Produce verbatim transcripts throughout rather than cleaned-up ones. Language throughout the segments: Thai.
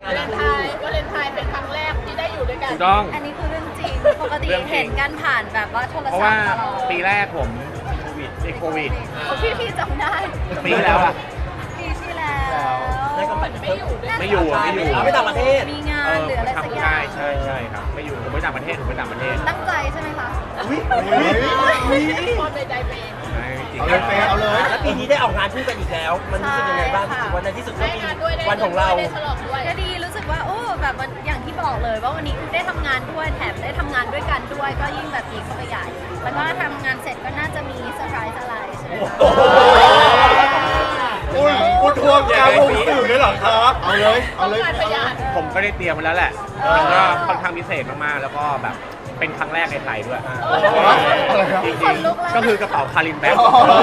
วาเลนไทน์วาเลนไทน์เป็นครั้งแรกที่ได้อยู่ด้วยกันถูกต้องอันนี้คือเรื่องจริง ปกติเห็นกันผ่านแบบว่าโทรเพราะศัพว่าท์ตลอดปีแรกผมโควิดติดโควิดพี่พี่จำได้ปีที่แล้วอะปีที่แล้วได้ก็ไปไม่อยู่ด้วยกันไม่อยู่อะไม่อยู่เอาไปต่างประเทศมีงาเอน อหรืออะไรสักอใช่ย่างใช่ใช่ครับไม่อยู่ผมไปต่างประเทศผมไปต่างประเทศตั้งใจใช่ไหมคะคนในใจเป็นใช่จริงเอาเลยเฟย์เอาเลยแล้วปีนี้ได้ออกงานคู่กันอีกแล้ว มันรู้สึกยังไงบ้างรู้สึกว่าในที่สุดก็ได้มีงานด้วยได้วันของเราได้ฉลองด้วยก็ดีรู้สึกว่าโอ้แบบมันอย่างที่บอกเลยว่าวันนี้ได้ทำงานด้วยแถมได้ทำงานด้วยกันด้วย ก็ยิ่งแบบดีเข้าไปใหญ่ แล้วก็ทำงานเสร็จก็น่าจะมีเซอร์ไพรส์อะไรใช่ไหมคะอุ้ยคุณทวงกาวงสื่อเลยเหรอครับ เอาเลย เอาเลยงานประหยัดผมก็ได้เตรียมไว้แล้วแหละมันก็ค่อนข้างพิเศษมากๆแล้วก็แบบเป็นครั้งแรกในไทยด้วยอะไรครับจริงๆก็คือกระเป๋าคารินแบ็ค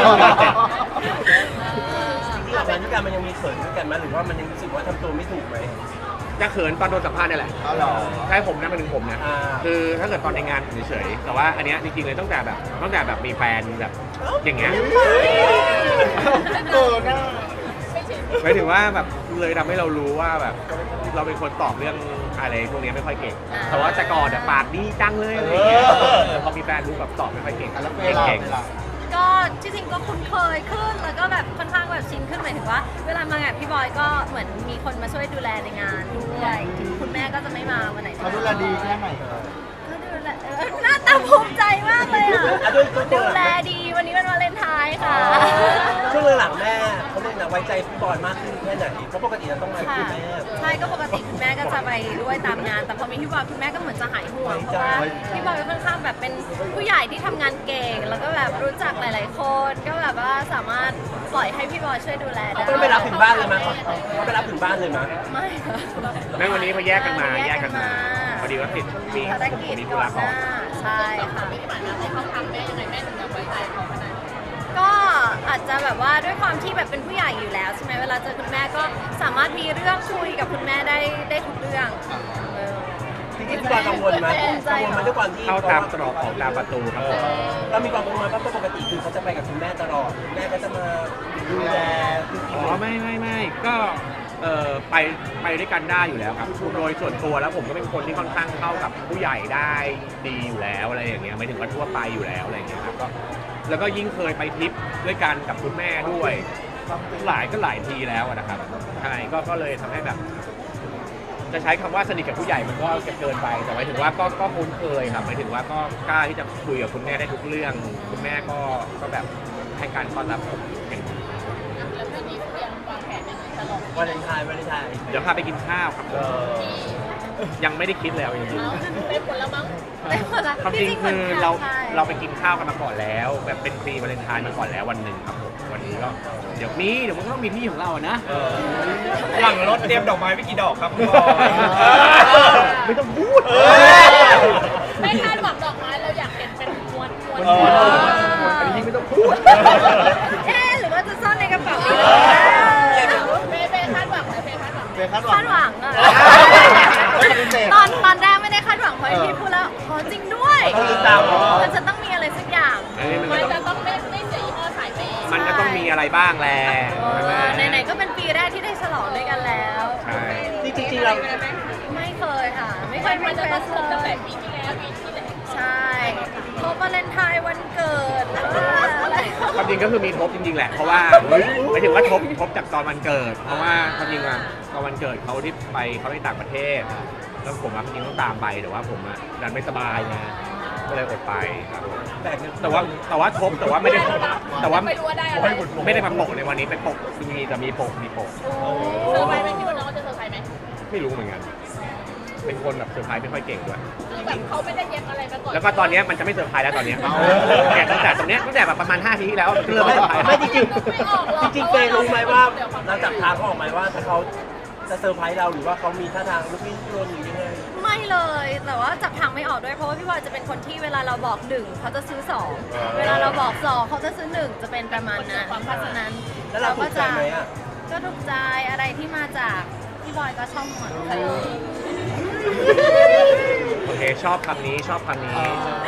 ที่ออกงานด้วยกันมันยังมีเขินด้วยกันไหมหรือว่ามันยังรู้สึกว่าทำตัวไม่ถูกไหมจะเขินตอนโดนสัมภาษณ์นี่แหละเอาเหรอใช่ผมนะเป็นถึงผมนะอ่าคือถ้าเกิดตอนในงานผมเฉยๆแต่ว่าอันเนี้ยจริงๆเลยตั้งแต่แบบตั้งแต่แบบมีแฟนแบบอย่างเงี้ยเออหน้าหมายถึงว่าแบบเลยทำให้เรารู้ว่าแบบเราเป็นคนตอบเรื่องอะไรพวกนี้ไม่ค่อยเก่ง แต่ว่าแต่ก่อนอะปากดีจังเลยอะไรอย่างเงี้ยพอมีแฟนรู้แบบตอบไม่ค่อยเก่งแล้วเฟย์ล่ะเก่งเฟย์ล่ะก็ที่จริงก็คุ้นเคยขึ้นแล้วก็แบบค่อนข้างแบบชินขึ้นหมายถึงว่า เวลามางานพี่บอยก็เหมือนมีคนมาช่วยดูแลในงานด้วยถึงคุณแม่ก็จะไม่มาวันไหนเขาดูแลดีแค่ไหนก็ดูแลเออหน้าตาภูมิใจมากเลยอ่ะอ่ะด้วยด้วยตัวดูแลดีวันนี้เป็นวาเลนไทน์ค่ะช่วงหลังๆแม่เขาเรียกนะไว้ใจพี่บอยมากขึ้นแค่ไหนเพราะปกติเราต้องมาค่ะคุณแม่ใช่ก็ปกติคุณแม่ก็จะไปด้วยตามงาน แต่พอมีพี่บอยคุณแม่ก็เหมือนจะหายห่วงเพราะว่าพี่บอยก็ค่อนข้างแบบเป็นผู้ใหญ่ที่ทำงานเก่ง แล้วก็แบบรู้จักหลาย ๆ คนก็แบบว่าสามารถปล่อยให้พี่บอยช่วยดูแลได้ต้องไปรับถึงบ้านเลยมั้ยเขาเขาไปรับถึงบ้านเลยมั้ยไม่ค่ะแม่วันนี้เขาแยกกันมาแยแยกกกักัน นมามาพอดีว่าติดมีภารกิจมีธุก่อระนหก่อนน้าใช่ค่ะไม่ได้หมายความว่าเขาทำแม่ยังไงแม่ถึงจะไว้ใจเขาขนาดนี้ก็อาจจะแบบว่าด้วยความที่แบบเป็นผู้ใหญ่อยู่แล้วใช่ไหมเวลาเจอคุณแม่ก็สามารถมีเรื่องคุยกับคุณแม่ได้ได้ทุกเรื่องเออจริงๆพี่บอยกังวลไหมกังวลไหมด้วยความที่เข้าตามตรอกออกตามประตูครับผมเรามีความกังวลไหมเพราะปกติคือเขาจะไปกับคุณแม่ตลอดแม่ก็จะมาดูแลคือกินอ๋อไม่ไม่ไม่ก็เออไปไปด้วยกันได้อยู่แล้วครับโดยส่วนตัวแล้วผมก็เป็นคนที่ค่อนข้างเข้ากับผู้ใหญ่ได้ดีอยู่แล้วอะไรอย่างเงี้ยไม่ถึงว่าทั่วไปอยู่แล้วอะไรอย่างเงี้ยครับก็แล้วก็ยิ่งเคยไปทริปด้วยกันกับคุณแม่ด้วยหลายก็หลายทีแล้วอะนะครับใช่ก็ก็เลยทำให้แบบ จะใช้คำว่าสนิทกับผู้ใหญ่มันก็จะเกินไปแต่หมายถึงว่าก็ก็คุ้นเคยครับหมายถึงว่าก็กล้าที่จะคุยกับคุณแม่ได้ทุกเรื่อง คุณแม่ก็ก็แบบให้การต้อนรับผมอย่างดีแล้วเรื่องนี้เตรียมวางแผนยังไงฉลองวาเลนไทน์วาเลนไทน์เดี๋ยวพาไปกินข้าวครับเออยังไม่ได้คิดเลยเอาจริงเอาเป็นผลละมั้งได้หมดละๆความจริงหมืคืนอกันเราใช่เราไปกินข้าวกันมาก่อนแล้ว แบบเป็นฟรีวาเลนไทน์มาก่อนแล้ววันหนึ่งครับผมวันนี้ก็เดี๋ยวมีเดี๋ยวมันก็ต้องมีที่ของเราอะนะหลังรถเตรียมดอกไม้ไปกี่ดอกครับคุณบอยไม่ต้องพูดไม่คาดหวังดอกไม้เราอยากเห็นเป็นมวลมวลเอออันนี้ไม่ต้องพูดเอ๊ะหรือว่าจะซ่อนในกระเป๋าเฟย์เฟย์คาดหวังไหมเฟย์คาดหวังไหมเฟย์คาดหวัคาง ดหวังอะไม่ปฏิเสธตอนตอนแรกไม่ได้คาดหวังเพราะพี่พูดแล้วขอจริงด้วยต้องติดตามเหรอมันจะต้องมีอะไรสักอย่างอันนี้มันมันก็จะต้องต้องไม่ไม่เสียยี่ห้อสายเปย์มันก็ต้องมีอะไรบ้างแหละเออไหนๆก็เป็นปีแรกที่ได้ฉลองด้วยกันแล้วใช่จริงๆเราไม่เคยค่ะ ไม่เคมัยนมันจะต้องครบตั้งเลแต่ยปีที่แล้วปีที่แล้วใช่ครบวาเลนไทน์วันเกิดหรือว่าอะไรความจริงก็คือมีทบจริงๆแหละเพราะว่าหมายถึงว่าทบทบจากตอนวันเกิด เพราะว่าความจริงว่าตอนวันเกิดเขาที่ไปเขาไปต่างประเทศ แล้วผมอะจริงๆต้องตามไปแต่ว่าผมอะดันไม่สบายไงก็เลยอดไปครับแบกเงินแต่ว่าแต่ว่าทบแต่ว่าไม่ได้แต่ว่าไม่รู้ว่าได้อะไรไม่ได้มาปกในวันนี้เป็นปกมีแต่มีปกมีปกเซอร์ไพรส์ไหมคิดว่าน้องจะเซอร์ไพรส์ไหมไม่รู้เหมือนกัน เป็นคนแบบเซอร์ไพรส์ไม่ค่อยเก่งด้วยคือแบบเขาไม่ได้เย็บอะไรมาก่อนแล้วก็ตอนเนี้ยมันจะไม่เซอร์ไพรส์แล้วตอนเนี้ยเนี่ยตั้งแต่ตรงเนี้ยตั้งแต่แบบประมาณห้าทีที่แล้วมันเริ่มไม่เซอร์ไพรส์ไม่จริงๆจริงๆเฟย์รู้ไหมว่าเราจับทางเขาออกไหมว่าถ้าเขาจะเซอร์ไพรส์เราหรือว่าเขามีท่าทางลุกลี้ลุกลนหรือยังไงไม่เลย แต่ว่าจับทางไม่ออกด้วยเพราะว่าพี่บอยจะเป็นคนที่เวลาเราบอกหนึ่งเขาจะซื้อสองเวลาเราบอกสองเขาจะซื้อหนึ่งจะเป็นประมาณนั้นเพราะฉะนั้นแล้วเราถูกใจไหมอ่ะก็ถูกใจอะไรที่มาจากพี่บอยก็ชอบหมดเลยโอเคชอบคำนี้ชอบคำนี้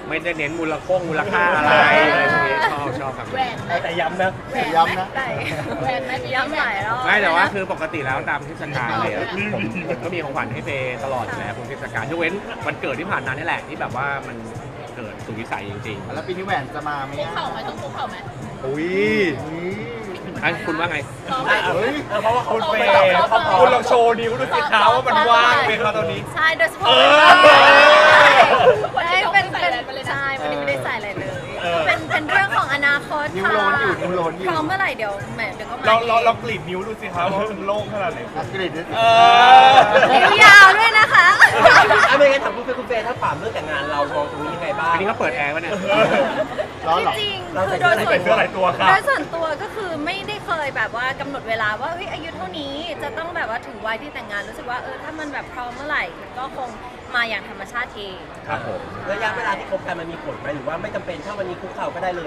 ไม่ได้เน้นมูลค่งมูลค่าอะไรอะไรพวกนี้ชอบชอบครับแหวนไหมแต่ย้ำนะแหวนย้ำนะได้แหวนไหมย้ำหลายรอบไม่แต่ว่าคือปกติแล้วตามเทศกาลเลยอะผมผมก็มีของขวัญให้เฟย์ตลอดอยู่แล้วทุกเทศกาลยกเว้นวันเกิดที่ผ่านมานี่แหละที่แบบว่ามันเกิดสุดวิสัยจริงแล้วปีนี้แหวนจะมาไหมคุกอ่ะเข่าไหมต้องคุกเข่าไหมๆอุ้ยอุ้ยอันคุณว่าไงลองไหมเฮ้ยเพราะว่าเขาคุณเฟเฟย์ย์เขาพร้อคุมณลองโชว์นิ้วดูสิเท้าว่ามันว่างไหมครับตอนนี้ใช่โดยเฉพาะเออวันนี้เป็นเป็นใช่วันนี้ไม่ได้ใส่อะไรเลย เป็นเป็นเรื่องของอนาคตนิ้วค่ะโลนอยู่นิ้วโลนอยู่พร้อมเมื่อไหร่เดี๋ยวแหมเดี๋ยวก็มาเราเราเองเรากรีดนิ้วดูสิครับว่ามันโล่งขนาดไหน Ờ. คุณ Ờ. กรีดเออนิ้วยาวด้วยนะคะอ่ะไม่งั้นถามคุณเฟย์คุณเฟย์ถ้าถามเรื่องแต่งงานเรามองตรงนี้ยังไงบ้างอันนี้ก็เปิดแอร์วะเนี่ยร้อนเหรอที่จริงเราคือใส่โดยเสื้ส่อวนใส่เสื้อหลายตัวครับโดยส่วนตัวก็คือไม่ได้เคยแบบว่ากำหนดเวลาว่าเฮ้ยอายุเท่านี้จะต้องแบบว่าถึงวัยที่แต่งงานรู้สึกว่าเออถ้ามันแบบพร้อมเมื่อไหร่มันก็คงมาอย่างธรรมชาติเองครับผมระยะเวลาที่คบกันมันมีผลไหมหรือว่าไม่จำเป็นถ้าวันนี้คุกเข่าก็ได้เลย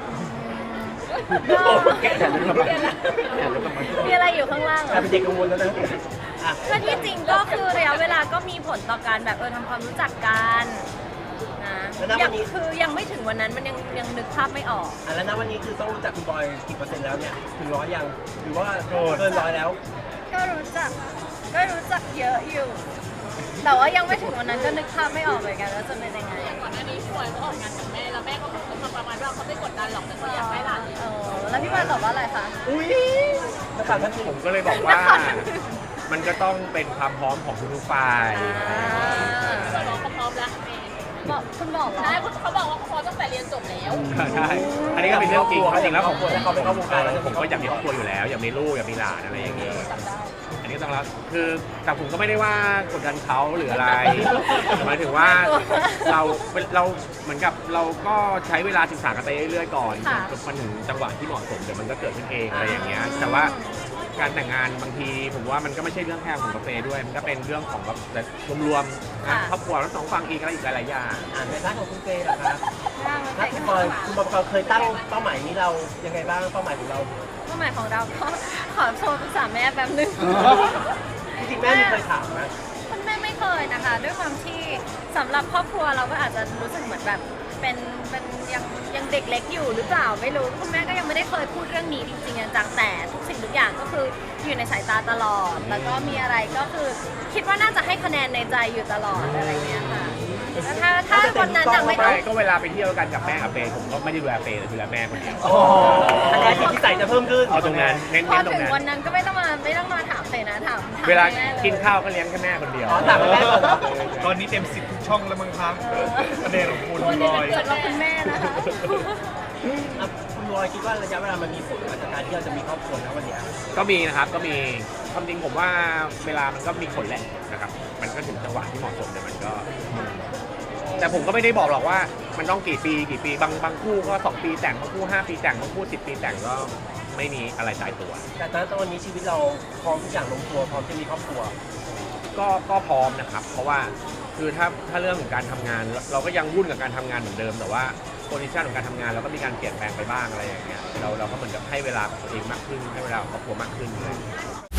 แกะแขนลึกลงมาแขนลึกลงมามีอะไรอยู่ข้างล่างเหรกลายอเป็นเด็กกังวลแล้วนะอ่ะก็ที่จริงก็คือระยะเวลาก็มีผลต่อการแบบเออทำความรู้จักกันนะยังคือยังไม่ถึงวันนั้นมันยังยังนึกภาพไม่ออกอ่ะแล้วนะวันนี้คือต้องรู้จักคุณบอยกี่เปอร์เซ็นต์แล้วเนี่ยถึงร้อยยังหรือว่าเกินร้อยแล้วก็รู้จักก็รู้จักเยอะอยู่ แต่ว่ายังไม่ถึงวันนั้นก็นึกภาพไม่ออกเหมือนกันว่าจะเป็นยังไงอย่างก่อนหน้านี้พี่บอยก็ออกงานกับแม่แล้วแม่ก็พูดมาประมาณว่าเขาไม่กดดันหรอกแต่เขาอยากให้หลานเออแล้วพี่บอยตอบว่าอะไรคะอุ้ยนักข่าวท่านหนึ่งผมก็เลยบอกว่า มันก็ต้องเป็นความพร้อมของทุกๆฝ่ายอ่าเขาบอกเขาพร้อมแล้วเมย์บอกคุณบอกเหรอใช่เขาบอกว่าเขาพร้อมตั้งแต่เรียนจบแล้วใช่ อันนี้ก็เป็นเรื่องจริงจริงแล้วผมถ้าเขาไปเข้าวงการแล้วจะผมก็อยากมีครอบครัวอยู่แล้ว อยากมีลูกอยากมีหลานอะไรอย่างนี้ อันนี้ต้องรับคือแต่ผมก็ไม่ได้ว่ากดดันเขาหรืออะไรหมายถึงว่าเราเราเหมือนกับเราก็ใช้เวลาศึกษากันไปเรื่อยๆก่อนจนมันถึงจังหวะที่เหมาะสมเดี๋ยวมันก็เกิดขึ้นเองอะไรอย่างเงี้ยแต่ว่าการแต่งงานบางทีผมว่ามันก็ไม่ใช่เรื่องแค่ของกาแฟด้วย มันก็เป็นเรื่องของแบบรวมๆนะครอบครัวทั้งสองฝั่งอีกอะไรอีกหลายๆอย่างอ่านในร้านของคุณเฟย์นะครับร่างมันถ้าใส่คุณข้างบอยหลังคุณบอยเคยตั้งเป้าหมายนี้เรายังไงบ้างเป้าหมายของเราเป้าหมายของเราก็ขอโทรปรึกษาแม่แป๊บนึงจริงๆแม่มีเคยถามนะคุณแม่ไม่เคยนะคะ ด้วยความที่สำหรับครอบครัวเราก็อาจจะรู้สึกเหมือนแบบเป็นเป็นยังยังเด็กเล็กอยู่หรือเปล่าไม่รู้คุณแม่ก็ยังไม่ได้เคยพูดเรื่องนี้จริงๆจังๆแต่ทุกสิ่งทุกอย่างก็คืออยู่ในสายตาตลอด แล้วก็มีอะไรก็คือคิดว่าน่าจะให้คะแนนในใจอยู่ตลอดอะไรเงี้ยค่ะแล้วถ้าถ้าวันนั้นยังไม่ต้ไม่องก็เวลาไปเที่ยวกันกับแม่กับเฟย์ผมก็ไม่ได้ดูแลเฟย์แต่ดูแลแม่คนเดียวคะแนนที่ใส่จะเพิ่มขึ้นเอาตรงนั้นเน้นพอๆตรถึงงนั้นวันนั้นก็ไม่ต้องมาไม่ต้องมาถามเลยนะถามถามเวลาแม่ยกินข้าวก็เลี้ยงแค่แม่คนเดียวอ๋อถามแม่ก่อนเหรอตอนนี้เต็มสิบทุกช่องแล้วมั้งครับคะแนนของคุณวันบนี้อมันยเกิดเรามาคุณแม่นะคะอ่ะคุณบอยคิดว่าระยะเวลามันมีผลกับการที่เราจะมีครอบครัวนะวันเนี้ยก็มีนะครับก็มีความจริงผมว่าเวลามันก็มีผลแหละนะครับ มันก็ถึงจังหวะที่เหมาะสมแต่มันก็ แต่ผมก็ไม่ได้บอกหรอกว่ามันต้องกี่ปีกี่ปีบางบางคู่ก็สองปีแต่งบางคู่ห้าปีแต่งบางคู่สิบปีแต่งก็ไม่มีอะไรตายตัวแต่ตอนนี้ชีวิตเราพร้อมทุกอย่างลงตัวพร้อมจะมีครอบครัวก็ก็พร้อมนะครับ เพราะว่าคือถ้าถ้าเรื่องของการทำงานเราเราก็ยังวุ่นกับการทำงานเหมือนเดิม แต่ว่าโพซิชันของการทำงานเราก็มีการเปลี่ยนแปลงไปบ้างอะไรอย่างเงี้ยเราเราก็เหมือนกับให้เวลากับตัวเองมากขึ้นให้เวลากับครอบครัวมากขึ้นเลย